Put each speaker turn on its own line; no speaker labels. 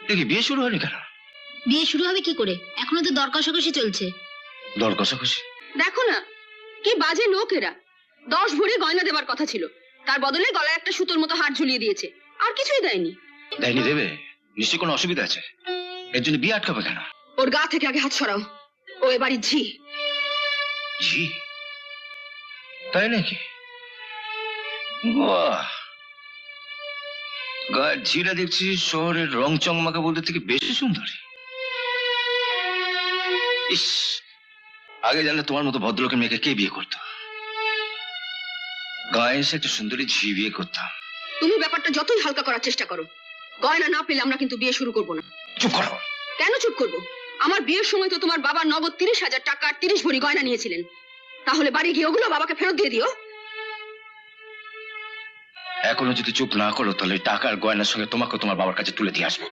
দেখি বিয়ে শুরু হয়নি কেন?
বিয়ে শুরু হবে কি করে? এখনো তো দর কষাকষি চলছে।
দর কষাকষি?
দেখো না কি বাজে লোক এরা। 10 ভরি গয়না দেবার কথা ছিল, তার বদলে গলায় একটা সুতোর মতো হার ঝুলিয়ে দিয়েছে, আর কিছুই দেয়নি।
দেয়নি দেবে? নিশ্চয়ই কোনো অসুবিধা আছে, এর জন্য বিয়ে আটকাবে কেন?
ওর গা থেকে আগে হাত সরাও, ও এবারই ঝি।
জি তাই নাকি? বাহ, গায়ের ঝিরা দেখছি শহরের রং চংমাকা বলতে থেকে বেশি সুন্দরী। ইস, আগে জানলে তোমার মতো ভদ্রলোকের মেয়েকে কে বিয়ে করতো? গায়ে এসে একটা সুন্দরী ঝি বিয়ে করতাম।
তুমি ব্যাপারটা যতই হালকা করার চেষ্টা করো, গয়না না পেলে আমরা কিন্তু বিয়ে শুরু করব না।
চুপ করো।
কেন চুপ করব? আমার বিয়ের সময় তো তোমার বাবা নগদ 30,000 টাকা আর 30 ভরি গয়না নিয়েছিলেন। তাহলে বাড়ি গিয়ে ওগুলো বাবাকে ফেরত দিয়ে দিও।
এখনো যদি চুপ না করো তাহলে টাকার গয়নার সঙ্গে তোমাকে তোমার বাবার কাছে তুলে দিয়ে আসবো।